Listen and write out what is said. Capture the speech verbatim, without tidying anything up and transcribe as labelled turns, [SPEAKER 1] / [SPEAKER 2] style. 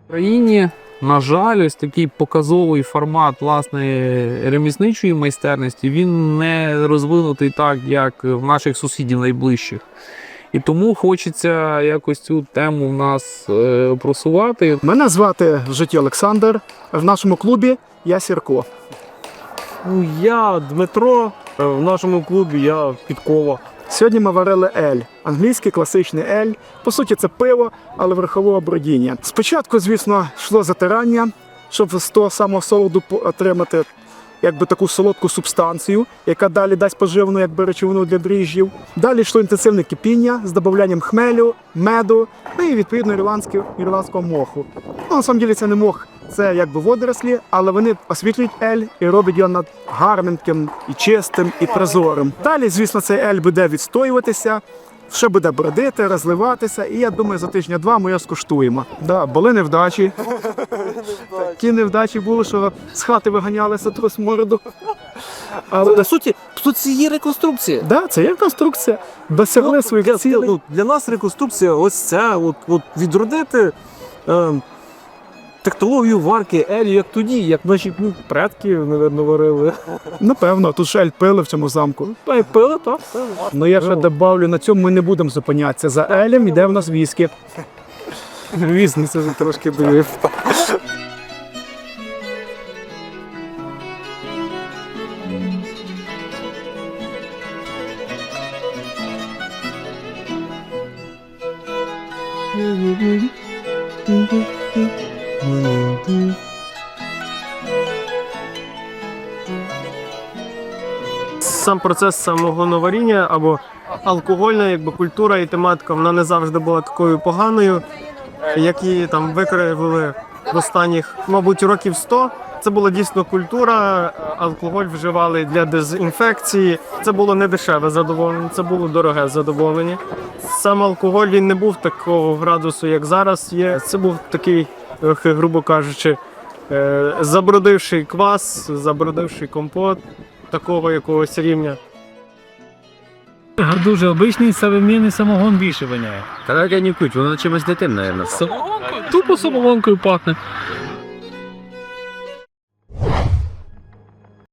[SPEAKER 1] В Україні, на жаль, ось такий показовий формат власне ремісничої майстерності, він не розвинутий так, як в наших сусідів найближчих. І тому хочеться якось цю тему в нас е, просувати.
[SPEAKER 2] Мене звати в житті Олександр. В нашому клубі я Сірко.
[SPEAKER 3] Ну, я Дмитро, в нашому клубі я Підкова.
[SPEAKER 2] Сьогодні ми варили ель. Англійський класичний ель. По суті, це пиво, але верхового бродіння. Спочатку, звісно, йшло затирання, щоб з того самого солоду отримати якби таку солодку субстанцію, яка далі дасть поживну якби речовину для дріжджів. Далі йшло інтенсивне кипіння з додаванням хмелю, меду, ну і відповідно ірландського, ірландського моху. Ну, на самом деле це не мох, це якби водорослі, але вони освітлюють ель і роблять його над гарненьким, і чистим, і прозорим. Далі, звісно, цей ель буде відстоюватися, ще буде бродити, розливатися, і я думаю, за тижня-два ми його скуштуємо. Да, були невдачі. Такі невдачі були, що з хати виганялися трос морду.
[SPEAKER 3] Але на суті, тут це є реконструкція.
[SPEAKER 2] Да, це є конструкція. Досягли
[SPEAKER 3] Ну,
[SPEAKER 2] своїх
[SPEAKER 3] для,
[SPEAKER 2] цілей.
[SPEAKER 3] ну, для нас реконструкція ось ця, от, от відродити е, технологію варки елю, як тоді, як наші ну, предки, напевно, варили.
[SPEAKER 2] Напевно, тут шель пили в цьому замку.
[SPEAKER 3] Та й пили, так.
[SPEAKER 2] Ну я ще добавлю, на цьому ми не будемо зупинятися. За елем йде в нас віскі.
[SPEAKER 3] Візно, це вже трошки довів. Сам процес самогоноваріння або алкогольна якби, культура і тематика, вона не завжди була такою поганою, як її там викривили в останніх, мабуть, років сто. Це була дійсно культура, алкоголь вживали для дезінфекції. Це було не дешеве задоволення, це було дороге задоволення. Сам алкоголь він не був такого градусу, як зараз є. Це був такий, грубо кажучи, забродивший квас, забродивший компот такого якогось рівня.
[SPEAKER 4] Дуже обичний современний самогон більше воняє.
[SPEAKER 5] Та як я не куть, воно чимось не тим, мабуть.
[SPEAKER 4] Самогонкою? Тупо самогонкою пахне.